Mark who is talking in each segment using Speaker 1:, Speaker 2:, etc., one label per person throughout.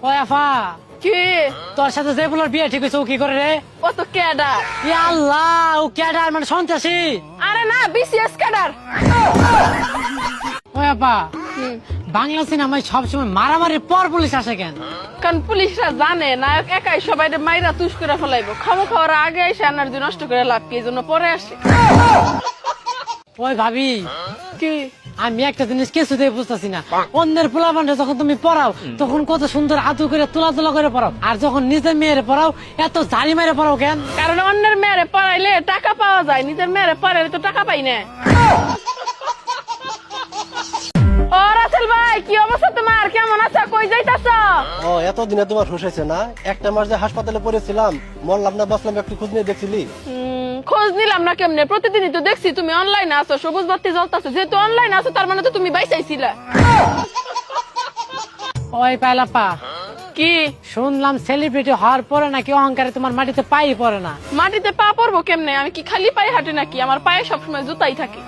Speaker 1: ও আফা,
Speaker 2: কি
Speaker 1: তোর সাথে যে বলার বিয়ে ঠিক হয়েছে ও কি করে রে?
Speaker 2: ও তো ক্যাডার।
Speaker 1: ইয়া আল্লাহ, ও ক্যাডার মানে সন্ত্রাসী?
Speaker 2: আরে না, বিসিএস ক্যাডার।
Speaker 1: ও আপা, বাংলা সিনেমায় সবসময় মারামারির পর পুলিশ আসে কেন?
Speaker 2: কারণ পুলিশরা জানে নায়ক একাই সবাই মাইরা তুষ করে ফেলাইবো, খামো খাওয়ার আগে এসে এনার্জি নষ্ট করে লাভ কি, এই জন্য পরে আসে।
Speaker 1: ওই ভাবি,
Speaker 2: কি
Speaker 1: আমি একটা জিনিস কিছুতেই বুঝতেছি না, অন্যের পোলাপানটা যখন তুমি পড়াও তখন কত সুন্দর আদু করে তোলা তোলা করে পড়াও, আর যখন নিজের মেয়ের পড়াও এত জারি মেরে পড়াও কেন?
Speaker 2: কারণ অন্যের মেয়েরে পড়াইলে টাকা পাওয়া যায়, নিজের মেয়েরে পড়াইলে তো টাকা পাই না। ও রাসেল ভাই, কি অবস্থা তোমার? কেমন আছো? কই যাইতাছ?
Speaker 3: ও এতদিনে তোমার হুঁশ হয়েছে না? একটা মাস যে হাসপাতালে পড়েছিলাম, মরলাম না বাঁচলাম, একটু খোঁজ নিয়ে দেখছিলি?
Speaker 2: খোঁজ নিলাম না কেমনে? প্রতিদিনই তো দেখছি তুমি অনলাইনে আছো, সবুজ বাতি জ্বলতাছো। যেহেতু অনলাইনে আছো তার মানে তো তুমি বাইসাইছিলা।
Speaker 1: ওই পাইলাপা,
Speaker 2: কি
Speaker 1: শুনলাম সেলিব্রিটি হওয়ার পরে নাকি অহংকারে তোমার মাটিতে পাই পড়ে না।
Speaker 2: মাটিতে পা পড়বো কেমনে? আমি কি খালি পায়ে হাঁটি নাকি? আমার পায়ে সবসময় জুতাই থাকে।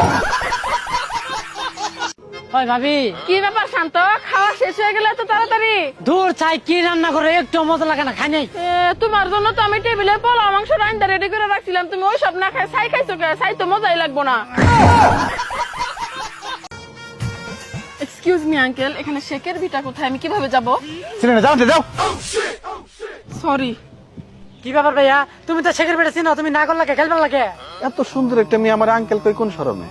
Speaker 1: ওই ভাবি,
Speaker 2: কি ব্যাপার শান্ত, খাওয়া শেষ হয়ে গেলে তো তাড়াতাড়ি?
Speaker 1: দূর চাই কি রান্না করে একটু মজা লাগে না, খাই নাই।
Speaker 2: তোমার জন্য তো আমি টেবিলে পোলাও মাংস রান্না রেডি করে রাখছিলাম, তুমি ওই সব না খাই ছাই খাইছো কে? ছাই তো মজাই লাগবো না। এক্সকিউজ মি আঙ্কেল, এখানে শেকের ভিটা কোথায়? আমি কিভাবে যাব? সরি।
Speaker 1: কি ব্যাপার ভাইয়া, তুমি তো শেখের বেড়ে চিনো, তুমি না করলে খেলবে লাগে?
Speaker 4: এত সুন্দর একটা মেয়ে আমার আঙ্কেল কই কোন শরমে?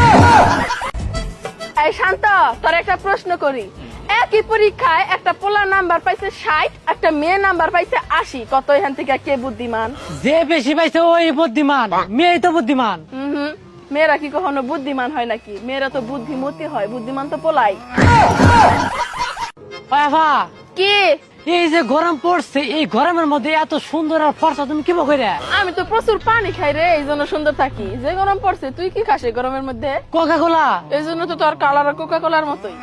Speaker 2: এই শান্ত, তোর একটা প্রশ্ন করি। একই পরীক্ষায় একটা পোলা নাম্বার পাইছে 60, একটা মেয়ে নাম্বার পাইছে 80, কত এখান থেকে কে বুদ্ধিমান?
Speaker 1: যে বেশি পাইছে ওই বুদ্ধিমান, মেয়েই তো বুদ্ধিমান।
Speaker 2: মেয়েরা কি কখনো বুদ্ধিমান হয় নাকি? মেয়েরা তো বুদ্ধিমতী হয়, বুদ্ধিমান তো পোলাই।
Speaker 1: ওই আফা,
Speaker 2: কি
Speaker 1: এই যে গরম পড়ছে, এই গরমের মধ্যে এত সুন্দর আর ফর্সা তুমি কি করে?
Speaker 2: আমি তো প্রচুর পানি খাই রে, এই জন্য সুন্দর থাকি। যে গরম পড়ছে, তুই কি খাস এই গরমের মধ্যে?
Speaker 1: Coca Cola.
Speaker 2: এই জন্য তো তোর কালার কোকা কোলার মতোই।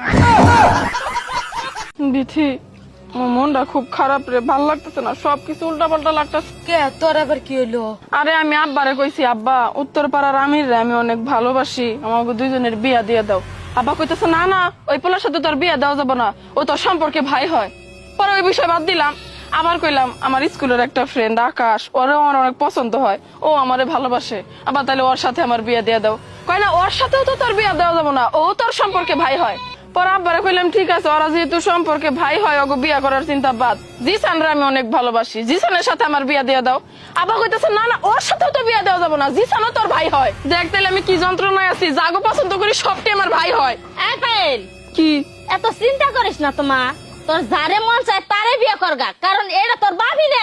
Speaker 2: বিথি, আমার মনটা খুব খারাপ রে, ভাল লাগতেছে না, সবকিছু উল্টা পাল্টা লাগতেছে।
Speaker 1: কে তোর আবার কি হইলো?
Speaker 2: আরে আমি আব্বারে কইছি, আব্বা উত্তর পাড়ার আমির রে আমি অনেক ভালোবাসি, আমাকে দুইজনের বিয়া দিয়ে দাও। আব্বা কইতেছে না না, ওই পোলার সাথে তোর বিয়া দেওয়া যাবে না, ও তোর সম্পর্কে ভাই হয়। পরে ওই বিষয় বাদ দিলাম, আবার কইলাম আমার স্কুলের একটা ফ্রেন্ড আকাশ, ওরে আমার অনেক পছন্দ হয়, ও আমারে ভালোবাসে, আবার তাহলে ওর সাথে আমার বিয়া দিয়ে দাও। কয় না, ওর সাথেও তো তোর বিয়া দেওয়া যাবে না, ও তোর সম্পর্কে ভাই হয়। পরে আব্বারে কইলাম ঠিক আছে, ওরা যেহেতু সম্পর্কে ভাই হয়, ওকে বিয়া করার চিন্তা বাদ। জিসানরে আমি অনেক ভালোবাসি, জিসানের সাথে আমার বিয়া দিয়ে দাও। আবার কইতেছে না না, ওর সাথেও তো বিয়া দেওয়া যাবে না, জিসানও তোর ভাই হয়। দেখ তাইলে আমি কি যন্ত্রণায় আছি, যাগো পছন্দ করি সবটাই আমার ভাই হয়।
Speaker 5: পায়েল,
Speaker 2: কি
Speaker 5: এত চিন্তা করিস না তোমা, তোর যারে মন চায় তারে বিয়ে করগা, কারণ এটা তোর ভাবি নে।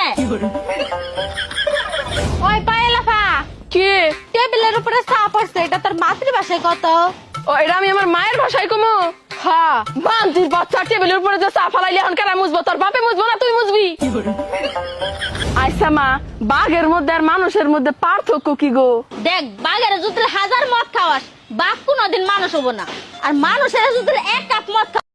Speaker 5: ওই পায়েলাফা,
Speaker 2: কি
Speaker 5: টেবিলের উপরে চা পড়ছে, এটা তোর মাতৃভাষায় কত?
Speaker 2: ও এটা আমি আমার মায়ের ভাষায় কমু? হ্যাঁ, বান্তির বাচ্চা টেবিলের উপরে যে চা ফালাইলে এখন কারা মুছবো? তোর বাপে মুছবো না তুই মুছবি? আচ্ছা মা, বাঘের মধ্যে আর মানুষের মধ্যে পার্থক্য কি গো?
Speaker 5: দেখ, বাঘের যদি 1000 মদ খাওয়াস, বাঘ কোনোদিন মানুষ হবো না, আর মানুষের যদি 1 কাপ মদ